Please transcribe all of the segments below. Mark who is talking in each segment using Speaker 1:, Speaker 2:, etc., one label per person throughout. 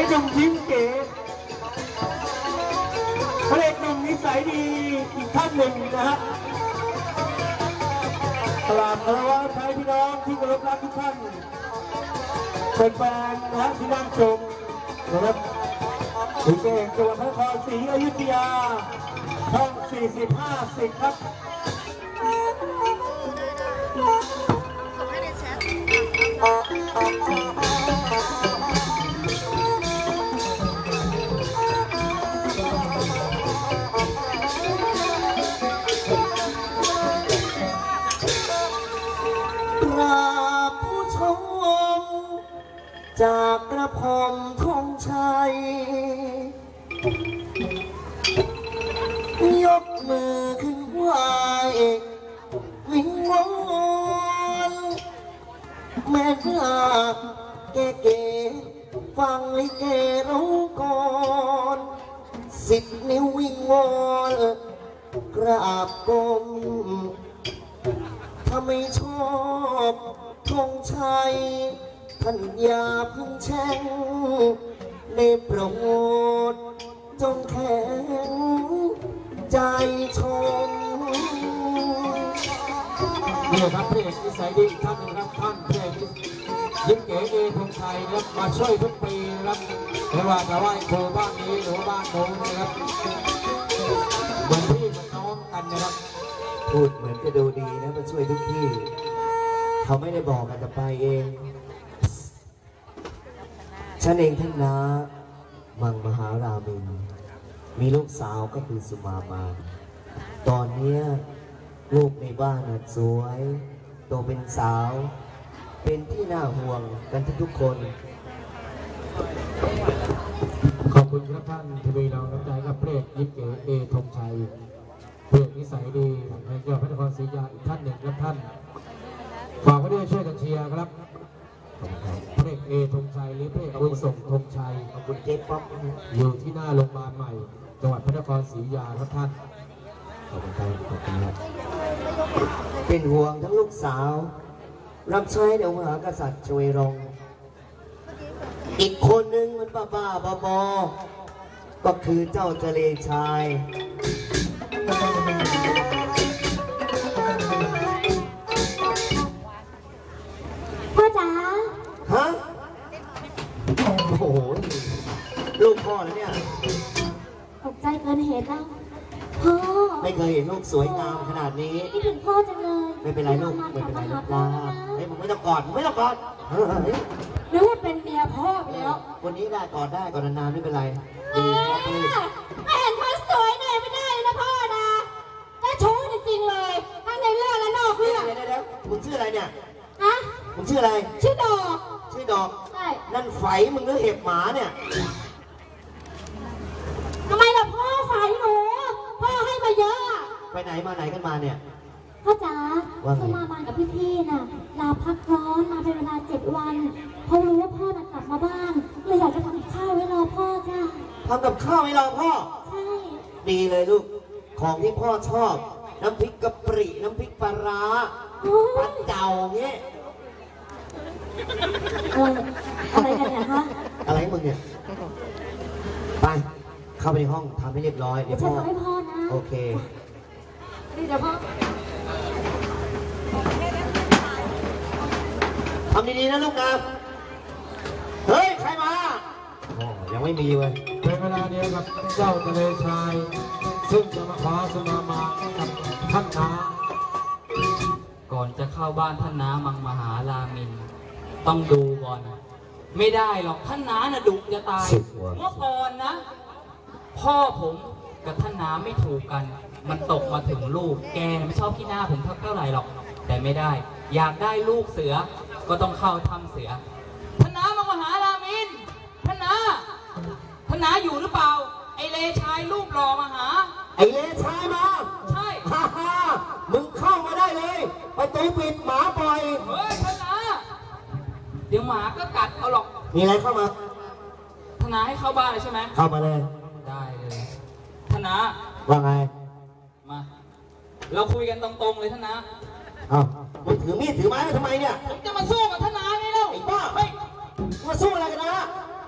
Speaker 1: หนุ่มยิ้มเก๋พระเอกหนุ่มนิสัยดีอีกท่านหนึ่งนะฮะกราบคารวะไทยพี่น้องที่เคารพรักทุกท่านเป็นแฟนนะฮะที่นั่งชมนะครับถึงเก่งจังหวัดพระนครศรีอยุธยาช่อง40-50ครับ
Speaker 2: ผู้ชมจากกระผมธงชัยยกมือขึ้นไหววิงวอนแม่นาคเก๋ๆฟังลิเกร้องก่อน10 นิ้ววิงวอนกราบก้มถ้าไม่ชอบธงชัยท่านอย่าพึ่งแช่งในโปรดจงแข็งใจชม
Speaker 1: นี่ครับพระเอกนิสัยดีอีกท่านหนึ่งครับท่านพระเอกยิ้มเก๋เอธงชัยนะครับมาช่วยทุกปีนะครับไม่ว่าจะไหว้ครูบ้านนี้หรือว่าบ้านโน้นนะครับเหมือนพี่เหมือนน้องกันนะครับ
Speaker 2: พูดเหมือนจะดูดีนะมาช่วยทุกที่เขาไม่ได้บอกกันจะไปเองฉันเองท่านนะมังมหารามินมีลูกสาวก็คือสุมามาตอนนี้ลูกในบ้านน่ะสวยโตเป็นสาวเป็นที่น่าห่วงกันทุกคน
Speaker 1: ขอบคุณครับท่านทวีเราน้ำใจกับพระเอกยิ้มเก๋เอธงชัยพระเอกนิสัยดีแห่งจังหวัดพระนครศรีอยุธยาอีกท่านหนึ่งครับท่านฝากไว้ด้วยช่วยกันเชียร์ครับพระเอกเอธงชัยหรือพระเอกบุญส่งธงชัย
Speaker 2: ขอบคุณเจ๊ป๊อป
Speaker 1: อยู่ที่หน้าโรงพยาบาลใหม่จังหวัดพระนครศรีอยุธยาครับท่าน
Speaker 2: ขอบคุณครับขอบคุณครับเป็นห่วงทั้งลูกสาวรับใช้เดี๋ยวมหากษัตริย์ช่วยรงอีกคนนึงมันบ้าบอก็คือเจ้าเจเลชาย
Speaker 3: พ่อจ๋า
Speaker 2: ฮะโอ้โหลูกพ่อแล้วเนี่ย
Speaker 3: ตกใจเกินเหตุแล้วพ่อ
Speaker 2: ไม่เคยเห็นลูกสวยงามขนาดนี้
Speaker 3: คิดถึงพ่อจังเลย
Speaker 2: ไม่เป็นไรลูกไม่เป็นไรลูกนะเฮ้ยมึงไม่ต้องกอดมึงไม่ต้องกอด
Speaker 3: นึกว่าเป็นเมียพ่อไปแล้ว
Speaker 2: วันนี้ได้กอดได้กอดนานๆไม่เป็นไรดีพ่อพี่
Speaker 3: ไม่เห็นคนสวยหน่อยไม่ได้เลยนะพ่อนะแล้วชู้จริงๆเลยทั้งในเรื่องและนอกเรื่อง
Speaker 2: เดี๋ยวมึงชื่ออะไรเนี่ย
Speaker 3: ฮะ
Speaker 2: มึงชื่ออะไร
Speaker 3: ชื่อดอก
Speaker 2: ใช่นั่นไฝมึงหรือเห็บหมาเนี่ย
Speaker 3: ทำไมล่ะพ่อไฝหนูพ่อให้มาเยอะ
Speaker 2: ไปไหนมาไหนกันมาเนี่ย
Speaker 3: พ่อจ๋าสมาบานกับพี่ๆน่ะลาพักร้อนมาเป็นเวลา7 วันเพราะรู้ว่าพ่อน่ะกลับมาบ้านเลยอยากจะทำกับข้าวไว้รอพ่อจ้า
Speaker 2: ทำกับข้าวไว้รอพ่อ
Speaker 3: ใช่
Speaker 2: ดีเลยลูกของที่พ่อชอบน้ำพริกกะปิน้ำพริกปลาร้าปลาเจ่าเงี้ย
Speaker 3: อะไรกันเนี่ยฮะ
Speaker 2: อะไรมึงเนี่ยไปเข้าไปในห้องทำให้เรียบร้อยเดี๋ยวพ่อ
Speaker 3: ให้พ่อนะ
Speaker 2: โอเค
Speaker 3: เดี๋ยวพ่อ
Speaker 2: ทำดีๆนะลูกนะเฮ้ยใครมายังไม่มีเว้ย
Speaker 1: เป็นเวลาเดียวกับเจ้าทะเลชายซึ่งจะมาขอสมามากับท่านน้า
Speaker 4: ก่อนจะเข้าบ้านท่านน้ามังมหารามินต้องดูก่อนไม่ได้หรอกท่านน้าน่ะดุจะตายเมื่อก่อนนะพ่อผมกับท่านน้าไม่ถูกกันมันตกมาถึงลูกแกไม่ชอบขี้หน้าผมเท่าไหร่หรอกแต่ไม่ได้อยากได้ลูกเสือก็ต้องเข้าถ้ำเสือท่านน้ามังมหารามินท่านน้าอยู่หรือเปล่าไอเลชายรูปหล่อมาหา
Speaker 2: ไอเลชายมา
Speaker 4: ใช่
Speaker 2: ฮ่ามึงเข้ามาได้เลยประตูปิดหมาปล่อย
Speaker 4: เฮ้ยท่านน้าเดี๋ยวหมาก็กัดเอาหรอก
Speaker 2: มีอะไรเข้ามา
Speaker 4: ท่านน้าให้เข้าบ้านเลยใช่ไหม
Speaker 2: เข้ามาเลย
Speaker 4: ได้เลยท่านน้า
Speaker 2: ว่าไง
Speaker 4: มาเราคุยกันตรงๆเลยท่านน้า
Speaker 2: อ้าวมึงถือมีดถือไม้ทำไมเนี่ย
Speaker 4: ผมจะมาสู้กับท่านน้าไงเล่า
Speaker 2: ไอ้บ้าเฮ้ยมาสู้อะไรกันนะ
Speaker 4: ท่าน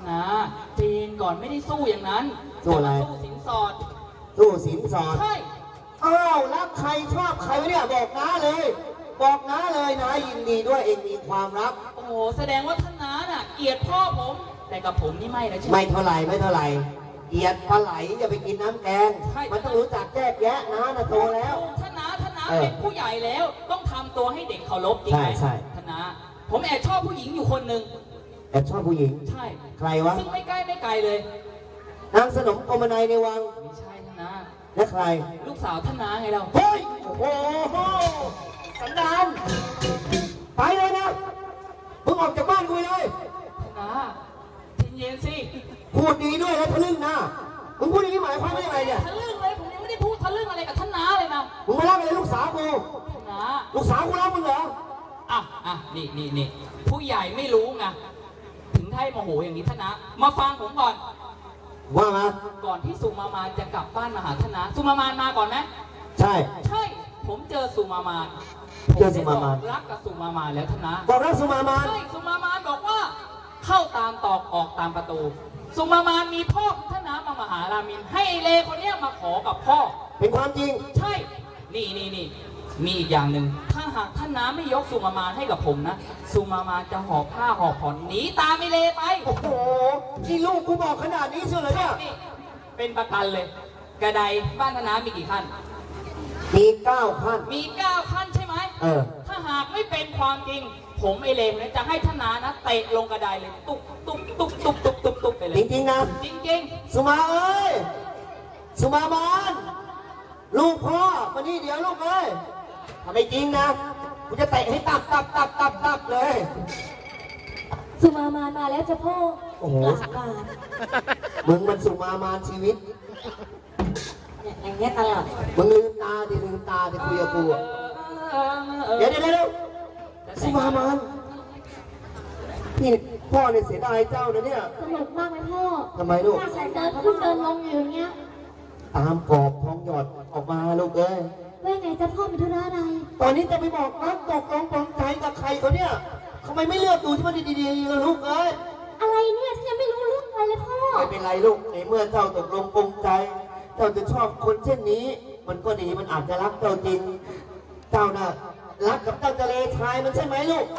Speaker 4: นาเจนก่อนไม่ได้สู้อย่างนั้น
Speaker 2: สู้อะไร
Speaker 4: สู้สินสอด
Speaker 2: สู้สินสอด
Speaker 4: ใช่
Speaker 2: อ้าวรักใครชอบใครวะเนี่ยบอกน้าเลย บอกน้าเลยนะยินดีด้วยเองมีความรัก
Speaker 4: โอ้โหแสดงว่าท่านน้าน่ะเกลียดพ่อผม แต่กับผมนี่ไม่นะใช่ไหม
Speaker 2: ไม่เท่าไหร่ไม่เท่าไหร่เกลียดปลาไหลอย่าไปกินน้ำแกง
Speaker 4: ใช่
Speaker 2: มันต้องรู้จักแยกแยะนะโตแล้ว
Speaker 4: ท่านน้า
Speaker 2: เออ
Speaker 4: เป็นผู้ใหญ่แล้ว ต้องทำตัวให้เด็กเคารพจริงไหม
Speaker 2: ใช่
Speaker 4: ท่านน้าผมแอบชอบผู้หญิงอยู่คนหนึ่ง
Speaker 2: แอบชอบผู้หญิง
Speaker 4: ใช่
Speaker 2: ใครวะ
Speaker 4: ซึ่งไม่ใกล้ไม่ไกลเลย
Speaker 2: นางสนมกรมนายในวัง
Speaker 4: ไม่ใช่ท่านน้า
Speaker 2: และใคร
Speaker 4: ลูกสาวท่านน้าไงเรา
Speaker 2: เฮ้ยโอ้โหสันดานไปเลยนะมึงออกจากบ้านกูไปเลย
Speaker 4: ท่านน้าเย็นๆสิ
Speaker 2: พูดดีด้วยแล้วทะลึ่งนะมึงพูดอย่างนี้หมายความว่ายังไงเนี่ย
Speaker 4: ทะลึ่งเลยผมยังไม่ได้พูดทะลึ่งอะไรกับท่านน้าเลยนะ
Speaker 2: มึงมารักอะไรลูกสาวกู
Speaker 4: ท่านน้า
Speaker 2: ลูกสาวกูรักมึงเหรอ
Speaker 4: อ่ะนี่ผู้ใหญ่ไม่รู้ไงถึงได้โมโหอย่างนี้ท่านน้ามาฟังผมก่อน
Speaker 2: ว่ามา
Speaker 4: ก่อนที่สุมามานจะกลับบ้านมาหาท่านน้าสุมามานมาก่อนไหม
Speaker 2: ใช่
Speaker 4: ใช่ ผมเจอสุมามาน
Speaker 2: เจอสุมามาน
Speaker 4: ผได้บอกรักกับสุมามานแล้วท่านน้า
Speaker 2: บอกรักสุมามาน
Speaker 4: ใช่สุมามานบอกว่า เข้าตามตอกออกตามประตู สุมามานมีพ่อของท่านน้ามหารามิน ให้ไอเลคนเนี้ยมาขอกับพ่อ
Speaker 2: เป็นความจริง
Speaker 4: ใช่ นี่มีอีกอย่างหนึ่ง ถ้าหากท่านน้าไม่ยกสุมามานให้กับผมนะ สุมามานจะหอบผ้าหอบผ่อนหนีตามไอเลไป
Speaker 2: โอ้โหนี่ลูกกูบอกขนาดนี้เชียวเหรอเนี่ย
Speaker 4: นี่เป็นประกันเลย กระไดบ้านท่านน้ามีกี่ขั้น
Speaker 2: มี9ขั้น
Speaker 4: มี 9 ขั้นใช่ไหม
Speaker 2: เออ
Speaker 4: ถ้าหากไม่เป็นความจริง ผมไอเลนเนี่ยจะให้ท่านนานะเตะลงกระไดเลย ตุ๊บไปเลย
Speaker 2: จริงๆนะ
Speaker 4: จริง
Speaker 2: สุมาเอ้ย สุมามานลูกพ่อมานี่เดี๋ยวลูกเอ้ยถ้าไม่จริงนะ กูจะเตะให้ตับเลย
Speaker 3: สุมามานมาแล้วจะพ่อ
Speaker 2: โอ้โห
Speaker 3: กราบ
Speaker 2: มึงมันสุมามานชีวิต
Speaker 3: เนี่ยอย่างเงี้ยตลอด
Speaker 2: มึงลืมตาดิคุยกับกูอะเดี๋ยวสุมามานพี่พ่อเนี่ยเสียดายเจ้านะเนี่ย
Speaker 3: สนุกมากไหมพ่อ
Speaker 2: ทำไมลูก
Speaker 3: เดินขึ้นเดินลงอยู่อย่างเงี้ย
Speaker 2: ตามกรอบทองหยอดออกมาลูกเอ้ย
Speaker 3: ว่าไงจะพ่อมีธุระอะไร
Speaker 2: ตอนนี้จะไปบอกรักตกลงปลงใจกับใครเขาเนี่ยทำไมไม่เลือกดูที่มันดีๆล่ะลูกเอ้ย
Speaker 3: อะไรเนี่ยฉันยังไม่รู้เรื่องอะไรเลยพ่อ
Speaker 2: ไม่เป็นไรลูกในเมื่อเจ้าตกลงปลงใจ เจ้าจะชอบคนเช่นนี้ มันก็ดีมันอาจจะรักเจ้าจริง เจ้าน่ะรักกับเจ้าทะเลชายมันใช่ไหมลูก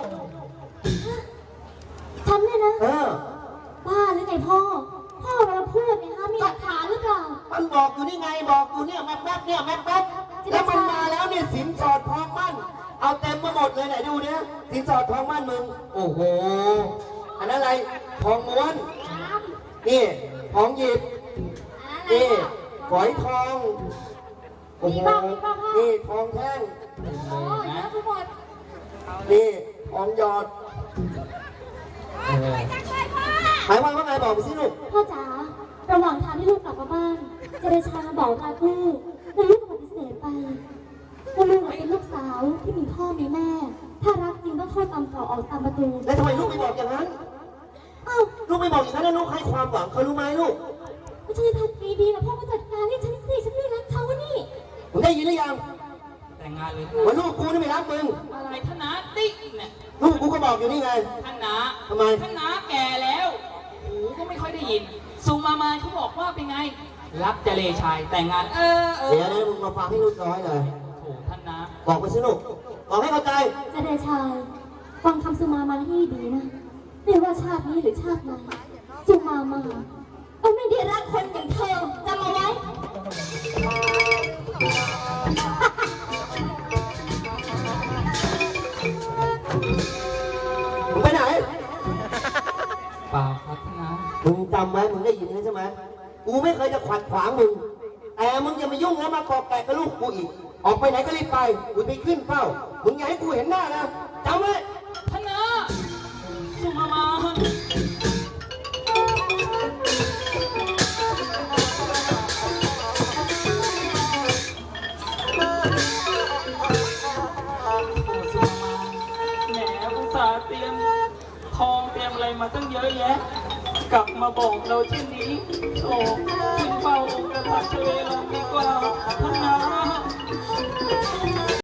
Speaker 3: ฉันเนี่ยนะ
Speaker 2: เออ
Speaker 3: บ้าหรือไงพ่อ พ่อเวลาพูดเนี่ยคะมีหลักฐานหรือเปล่า
Speaker 2: มันบอกอยู่นี่ไงบอกอยู่เนี่ยแป๊บเนี่ยแป๊บแล้วมันมาแล้วเนี่ยสินสอดทองมั่น เอาเต็มมาหมดเลยไหนดูเนี่ยสินสอดทองมั่นมึง โอ้โห อันนั้นอะไร ทองม้วน นี่ ทองหยิบ นี่ฝอยทอง โอ้โห นี่ทองแท่ง
Speaker 3: โอ้ยแล้วทั้งหมด
Speaker 2: นี่ทองหยอดหมายความว่าไงบอกไปสิลูก
Speaker 3: พ่อจ๋า ระหว่างทางที่ลูกกลับมาบ้านเจเดชามาบอกรักลูกแต่ลูกก็ปฏิเสธไปว่าลูกเป็นลูกสาวที่มีพ่อมีแม่ ถ้ารักจริงต้องเข้าตามต่อออกตามประตู
Speaker 2: แล้วทำไมลูกไม่บอกอย่างนั้น
Speaker 3: เอ้า
Speaker 2: ลูกไม่บอกอย่างนั้นแล้วลูกให้ความหวังเขารู้ไหมลูก
Speaker 3: ไม่ใช่ทำดีๆนะพ่อมาจัดการให้ฉันสิฉันไม่รักเขานี่
Speaker 2: มึงได้ยินหรือยัง
Speaker 4: แต่งงานเลย
Speaker 2: ว่าลูกกูนี่ไม่รักมึง
Speaker 4: อะไรท่านนาติ๊กเนี่ย
Speaker 2: ลูกกูก็บอกอยู่นี่ไง
Speaker 4: ท่านนา
Speaker 2: ทำไม
Speaker 4: ท่านนาแก่แล้วหูก็ไม่ค่อยได้ยิน สุมามานเขาบอกว่าเป็นไง รักจะเลชายแต่งงาน
Speaker 2: เดี๋ยวนะมึงมาฟังให้ลูกน้อยเลย
Speaker 4: โอ้ท่านนา
Speaker 2: บอกไปสิลูกบอกให้เข้าใจ
Speaker 3: เจเดชาฟังคำสุมามาให้ดีนะไม่ว่าชาตินี้หรือชาติไหนสุมามาก็ไม่ได้รักคนอย่างเธอจำเอาไว้
Speaker 2: มึงไปไหน
Speaker 4: เปล่าครับท่านนา
Speaker 2: มึงจำไว้มึงได้ยินใช่ไหมกูไม่เคยจะขัดขวางมึง แต่มึงอย่ามายุ่งแล้วมาเกาะแกะกับลูกกูอีก ออกไปไหนก็รีบไป กูไปขึ้นเฝ้า มึงอย่าให้กูเห็นหน้านะจำไว้
Speaker 4: ท่านนาสุมามาน สุมามาแหมอุตส่าห์เตรียมทองเตรียมอะไรมาตั้งเยอะแยะ กลับมาบอกเราเช่นนี้โอ้ขึ้นเฝ้าองค์กษัตริย์ทะเลเราดีกว่าท่านนา